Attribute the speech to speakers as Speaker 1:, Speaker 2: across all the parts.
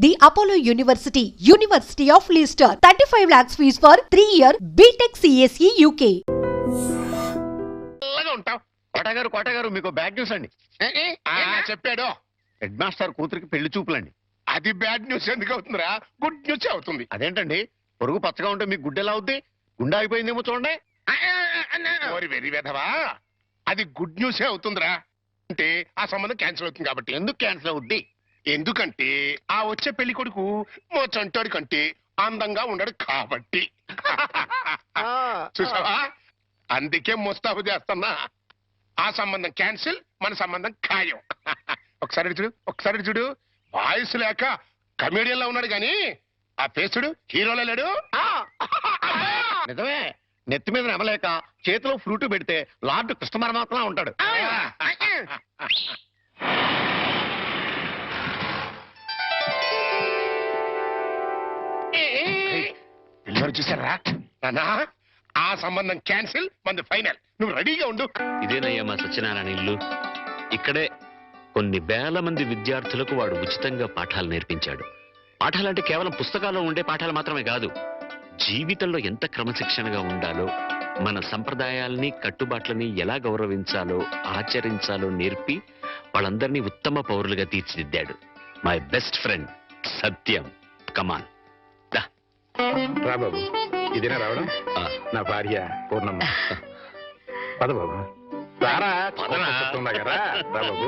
Speaker 1: The Apollo University, University of Leicester, 35 lakhs fees for 3-year BTech CSE UK.
Speaker 2: కోటగారు మీకు bad news అండి.
Speaker 3: చెప్పాడు
Speaker 2: head master కూతురికి పెళ్లి చూపులండి.
Speaker 3: అది బ్యాడ్ న్యూస్ ఎందుకు అవుతుందిరా? గుడ్ న్యూస్ అవుతుంది.
Speaker 2: అదేంటండి, పొరుగు పచ్చగా ఉంటే మీకు గుడ్డ ఎలా అవుద్ది? గుండె అయిపోయిందేమో చూడండి.
Speaker 3: ఓరి వెర్రి వెధవా, అది గుడ్ న్యూసే అవుతుందిరా. అంటే ఆ సంబంధం క్యాన్సిల్ అవుతుంది కాబట్టి.
Speaker 2: ఎందుకు క్యాన్సిల్ అవుద్ది?
Speaker 3: ఎందుకంటే ఆ వచ్చే పెళ్లి కొడుకు మా చంటాడి కంటే అందంగా ఉండడు కాబట్టి. చూసావా, అందుకే ముస్తాబు చేస్తున్నా. ఆ సంబంధం క్యాన్సిల్, మన సంబంధం ఖాయం. ఒకసారి చూడు వాయిస్ లేక కమేడియన్ లో ఉన్నాడు గాని ఆ ఫేస్ చూడు హీరోలో లేడు.
Speaker 2: నిజమే, నెత్తి మీద నమ్మలేక చేతిలో ఫ్రూట్ పెడితే లార్డ్ కృష్ణ పరమాత్మలా ఉంటాడు.
Speaker 3: పిల్లలు చూసారా నానా? ఆ సంబంధం క్యాన్సిల్, మనది ఫైనల్. నువ్వు రెడీగా ఉండు.
Speaker 4: ఇదేనయ్యా మా సత్యనారాయణ ఇల్లు. ఇక్కడే కొన్ని వేల మంది విద్యార్థులకు వాడు ఉచితంగా పాఠాలు నేర్పించాడు. పాఠాలంటే కేవలం పుస్తకాల్లో ఉండే పాఠాలు మాత్రమే కాదు, జీవితంలో ఎంత క్రమశిక్షణగా ఉండాలో, మన సంప్రదాయాల్ని కట్టుబాట్లని ఎలా గౌరవించాలో ఆచరించాలో నేర్పి వాళ్ళందరినీ ఉత్తమ పౌరులుగా తీర్చిదిద్దాడు. My best friend Satyam. Come on
Speaker 5: రా బాబు, ఇదేనా రావడం? నా భార్య పూర్ణమ్మ. పద బాబు, రారా. రా బాబు.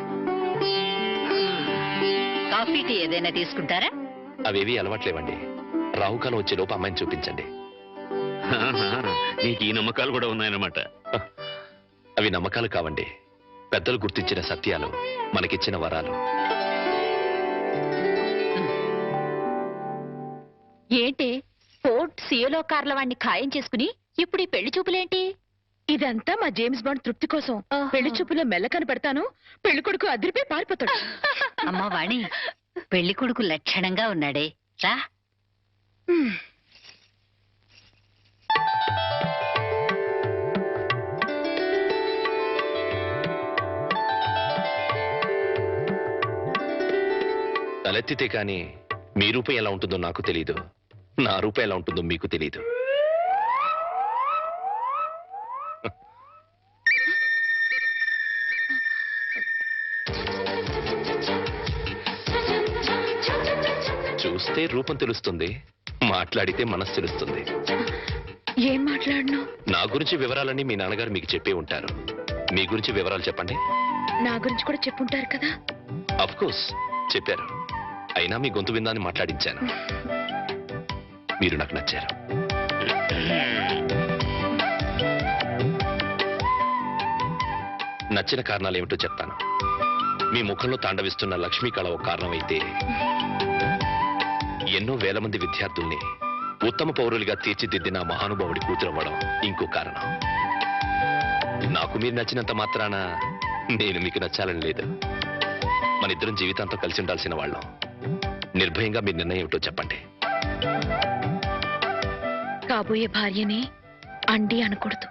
Speaker 6: కాఫీ టీ ఏదైనా తీసుకుంటారా?
Speaker 4: అవేవి అలవాట్లేవండి. రాహుకాలం వచ్చే లోపు అమ్మాయిని చూపించండి. నీకు ఈ నమ్మకాలు కూడా ఉన్నాయన్నమాట. అవి నమ్మకాలు కావండి, పెద్దలు గుర్తించిన సత్యాలు, మనకిచ్చిన వరాలు.
Speaker 6: ఏంటి ఫోర్ట్ సియోలో కార్ల వాడిని ఖాయం చేసుకుని ఇప్పుడు ఈ పెళ్లి చూపులేంటి?
Speaker 7: ఇదంతా మా జేమ్స్ బాండ్ తృప్తి కోసం. పెళ్లి చూపులో మెల్ల కనపడతాను, పెళ్లి కొడుకు అదిరిపై పారిపోతాడు.
Speaker 6: అమ్మా వాణి, పెళ్లి కొడుకు లక్షణంగా ఉన్నాడే, రా.
Speaker 4: తలెత్తితే కాని మీ రూపం ఎలా ఉంటుందో నాకు తెలీదు, నా రూపం ఎలా ఉంటుందో మీకు తెలీదు. చూస్తే రూపం తెలుస్తుంది, మాట్లాడితే మనసు తెలుస్తుంది.
Speaker 7: ఏం మాట్లాడను?
Speaker 4: నా గురించి వివరాలన్నీ మీ నాన్నగారు మీకు చెప్పే ఉంటారు. మీ గురించి వివరాలు చెప్పండి.
Speaker 7: నా గురించి కూడా చెప్పుంటారు కదా?
Speaker 4: అఫ్ కోర్స్ చెప్పారు, అయినా మీ గొంతు విందాన్ని మాట్లాడించాను. మీరు నాకు నచ్చారు. నచ్చిన కారణాలు ఏమిటో చెప్తాను. మీ ముఖంలో తాండవిస్తున్న లక్ష్మీ కళ ఒక కారణమైతే, ఎన్నో వేల మంది విద్యార్థుల్ని ఉత్తమ పౌరులుగా తీర్చిదిద్దిన మహానుభావుడి కూతురవ్వడం ఇంకో కారణం. నాకు మీరు నచ్చినంత మాత్రాన నేను మీకు నచ్చాలని లేదు. మన ఇద్దరం జీవితాంతం కలిసి ఉండాల్సిన వాళ్ళం. నిర్భయంగా మీ నిర్ణయం ఏమిటో చెప్పండి.
Speaker 7: కాబోయే భార్యని అండి అనకూడదు.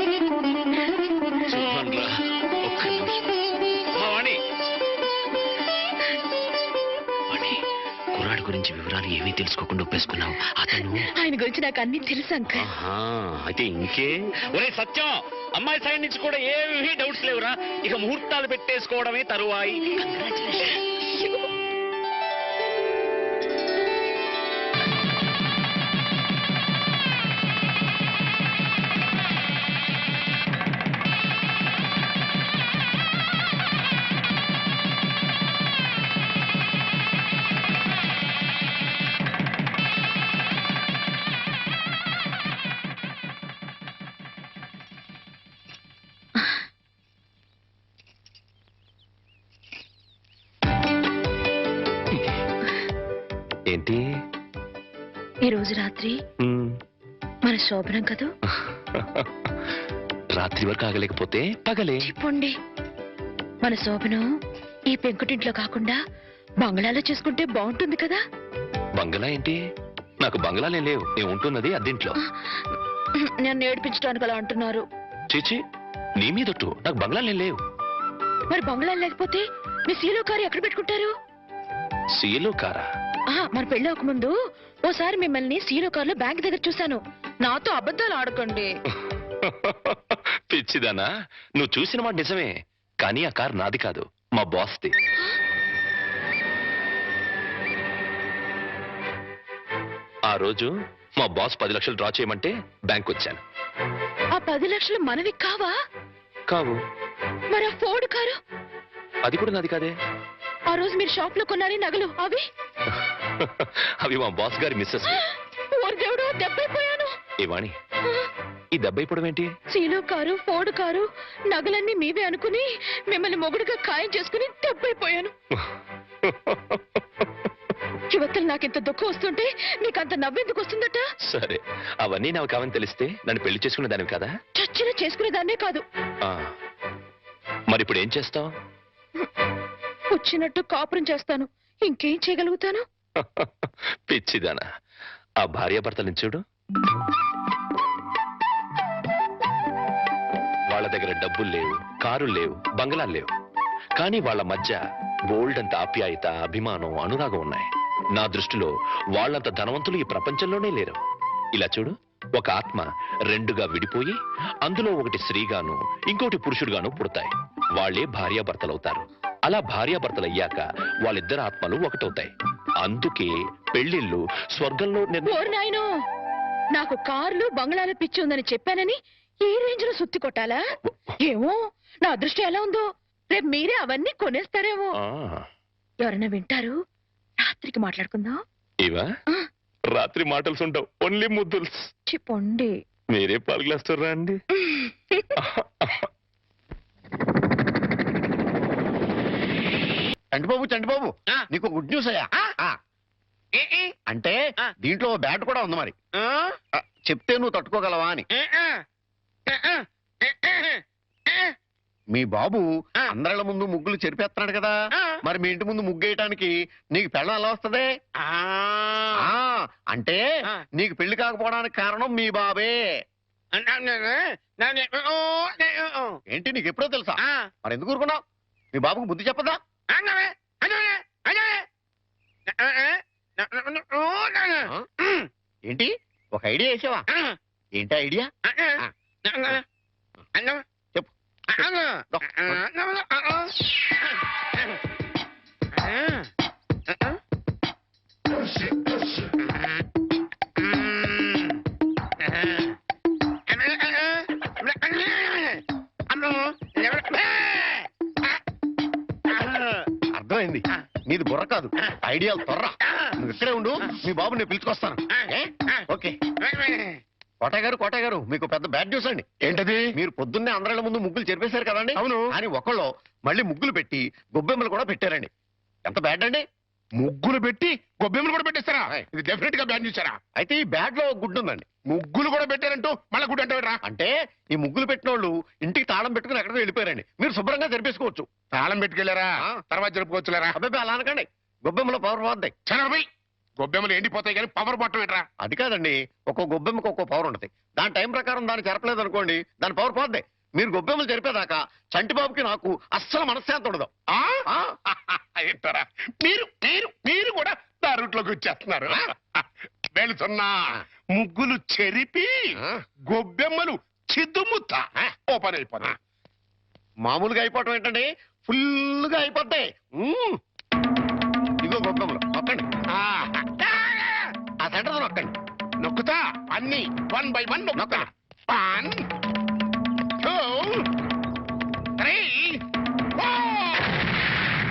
Speaker 4: కుర్రాడి గురించి వివరాలు ఏమీ తెలుసుకోకుండా ఒప్పేసుకున్నావు. అతను
Speaker 7: ఆయన గురించి నాకు అన్ని తెలుసు అంకల్.
Speaker 4: అయితే ఇంకే. ఒరే సత్యం, అమ్మాయి సైడ్ నుంచి కూడా ఏమీ డౌట్స్ లేవురా. ఇక ముహూర్తాలు పెట్టేసుకోవడమే తరువాయి. ఏంటి
Speaker 7: ఈ రోజు రాత్రి మన శోభనం కదూ?
Speaker 4: రాత్రి వరకు ఆగలేకపోతే పగలే
Speaker 7: చెప్పండి. మన శోభనం ఈ పెంకుటింట్లో కాకుండా బంగ్లాలో చేసుకుంటే బాగుంటుంది కదా?
Speaker 4: బంగ్లా ఏంటి? నాకు బంగ్లాలే లేవు. నేను ఉంటున్నది అద్దెంట్లో.
Speaker 7: నన్ను ఏడిపించడానికి అలా అంటున్నారు.
Speaker 4: చీచి, నీ మీదొట్టు. నాకు బంగ్లాలే లేవు.
Speaker 7: మరి బంగ్లా లేకపోతే మీ సీలో కారు ఎక్కడ పెట్టుకుంటారు?
Speaker 4: సీలో కారా?
Speaker 7: మన పెళ్ళి ముందు ఓసారి మిమ్మల్ని సీలో కార్లో బ్యాంక్ దగ్గర చూశాను. నాతో అబద్ధాలు ఆడకండి.
Speaker 4: పిచ్చిదానా, నువ్వు చూసిన మాట నిజమే, కానీ ఆ కార్ నాది కాదు, మా బాస్ది. ఆ రోజు మా బాస్ 10 లక్షలు డ్రా చేయమంటే బ్యాంక్ వచ్చాను.
Speaker 7: ఆ 10 లక్షలు మనవి కావా?
Speaker 4: కావు.
Speaker 7: మరి ఆ ఫోర్డ్ కారు?
Speaker 4: అది కూడా నాది కాదే.
Speaker 7: ఆ రోజు మీరు షాప్ లో కొన్నారే నగలు అవి?
Speaker 4: అవి మా బాస్ గారి మిస్సెస్.
Speaker 7: ఓరి దేవుడు, దెబ్బైపోయాను.
Speaker 4: ఏవాణి, ఈ దెబ్బైపోవడం ఏంటి?
Speaker 7: సీలో కారు, ఫోర్డ్ కారు, నగలన్నీ మీవే అనుకుని మిమ్మల్ని మొగుడుగా ఖాయం చేసుకుని దెబ్బైపోయాను. యువతలు నాకింత దుఃఖం వస్తుంటే నీకంత నవ్వెందుకు వస్తుందట?
Speaker 4: సరే, అవన్నీ నాకు కావని తెలిస్తే నన్ను పెళ్లి చేసుకునే దానివి కదా?
Speaker 7: చచ్చిన చేసుకునేదాన్నే కాదు.
Speaker 4: మరి ఇప్పుడు ఏం చేస్తావు?
Speaker 7: వచ్చినట్టు కాపురం చేస్తాను. ఇంకేం చేయగలుగుతాను?
Speaker 4: పిచ్చిదానా, ఆ భార్యాభర్తలను చూడు. వాళ్ళ దగ్గర డబ్బులు లేవు, కారులు లేవు, బంగ్లాలు లేవు, కానీ వాళ్ళ మధ్య బోల్డ్ అంత ఆప్యాయత, అభిమానం, అనురాగం ఉన్నాయి. నా దృష్టిలో వాళ్ళంత ధనవంతులు ఈ ప్రపంచంలోనే లేరు. ఇలా చూడు, ఒక ఆత్మ రెండుగా విడిపోయి అందులో ఒకటి స్త్రీగాను ఇంకోటి పురుషుడుగాను పుడతాయి. వాళ్ళే భార్యాభర్తలవుతారు. అలా భార్యాభర్తలు అయ్యాక వాళ్ళిద్దరు ఆత్మలు ఒకటవుతాయి. అందుకే పెళ్లిళ్ళు స్వర్గంలో
Speaker 7: ఓరి నాయనో, నాకు కార్లు బంగ్లాల పిచ్చి ఉందని చెప్పానని ఈ రేంజ్ లో సుత్తి కొట్టాలా? ఏమో, నా అదృష్టం ఎలా ఉందో, రేపు మీరే అవన్నీ కొనేస్తారేమో. ఎవరైనా వింటారు? రాత్రికి మాట్లాడుకుందాం.
Speaker 4: ఇవా రాత్రి మాటలు ఉంటావు, ఓన్లీ ముద్దుల్స్.
Speaker 7: చెప్పండి.
Speaker 4: మీరే పాలు గ్లాస్ రండి.
Speaker 2: చంటిబాబు నీకు గుడ్ న్యూస్ అయ్యా. అంటే దీంట్లో బ్యాట్ కూడా ఉంది మరి. చెప్తే నువ్వు తట్టుకోగలవా అని. మీ బాబు అందరిళ్ళ ముందు ముగ్గులు చెరిపేస్తున్నాడు కదా, మరి మీ ఇంటి ముందు ముగ్గేయటానికి నీకు పెళ్ళం ఎలా వస్తుంది? అంటే నీకు పెళ్లి కాకపోవడానికి కారణం మీ బాబే. ఏంటి, నీకు ఎప్పుడో తెలుసా? మరి ఎందుకు ఊరుకున్నావు? మీ బాబుకు బుద్ధి చెప్పదా? ఏంటి, ఒక ఐడియా వేసావా? ఏంటి ఐడియా? చెప్పు. అర్థమైంది, నీది బుర్ర కాదు, ఐడియాలు త్వర. నువ్వు ఇక్కడే ఉండు, మీ బాబు నేను పిలుచుకొస్తాను. ఓకే. కోట గారు మీకు పెద్ద బ్యాడ్ న్యూస్ అండి.
Speaker 3: ఏంటది?
Speaker 2: మీరు పొద్దున్నే అందరిళ్ళ ముందు ముగ్గులు చెరిపేశారు కదండి. అవును. అని ఒకళ్ళు మళ్ళీ ముగ్గులు పెట్టి గొబ్బెమ్మలు కూడా పెట్టారండి. ఎంత బ్యాడ్ అండి?
Speaker 3: ముగ్గులు పెట్టి గొబ్బెమ్మలు కూడా పెట్టేస్తారా? ఇది డెఫినెట్ గా బ్యాన్ చేశారా?
Speaker 2: అయితే ఈ బ్యాడ్ లో గుడ్డు ఉందండి.
Speaker 3: ముగ్గులు కూడా పెట్టారంటూ మళ్ళీ గుడి అంటే
Speaker 2: అంటే ఈ ముగ్గులు పెట్టిన వాళ్ళు ఇంటికి తాళం పెట్టుకుని ఎక్కడికో వెళ్ళిపోయారండి. మీరు శుభ్రంగా జరిపేసుకోవచ్చు.
Speaker 3: తాళం పెట్టుకెళ్లారా? తర్వాత జరుపుకోవచ్చులేరా?
Speaker 2: అబ్బాయి అలా అనకండి, గొబ్బెమ్మలో పవర్ పోద్ది.
Speaker 3: చనబై గొబ్బెమ్మలు ఎండిపోతాయి కానీ పవర్ బట్టం ఏంట్రా?
Speaker 2: అది కాదండి, ఒక్కో గొబ్బెమ్మకి ఒక్కో పవర్ ఉంటుంది. దాని టైం ప్రకారం దాన్ని చెరపలేదు అనుకోండి, దాని పవర్ పోద్ది. మీరు గొబ్బెమ్మలు జరిపేదాకా చంటిబాబుకి నాకు అస్సలు మనశ్శాంతి ఉండదు.
Speaker 3: ఏంటారా మీరు మీరు మీరు కూడా నా రూట్లోకి వచ్చేస్తున్నారు. వెళుతున్నా ముగ్గులు చెరిపి గొబ్బెమ్మలు చిద్దుముత్త ఓపెన్ అయిపోతాయి.
Speaker 2: మామూలుగా అయిపోవటం ఏంటండి, ఫుల్గా అయిపోతాయి. ఇదిగో గొబ్బెమ్మలు నొక్కండి, ఆ సెంటర్ నొక్కండి.
Speaker 3: నొక్కుతా అన్ని 1 by 1 నొక్కుతా. 1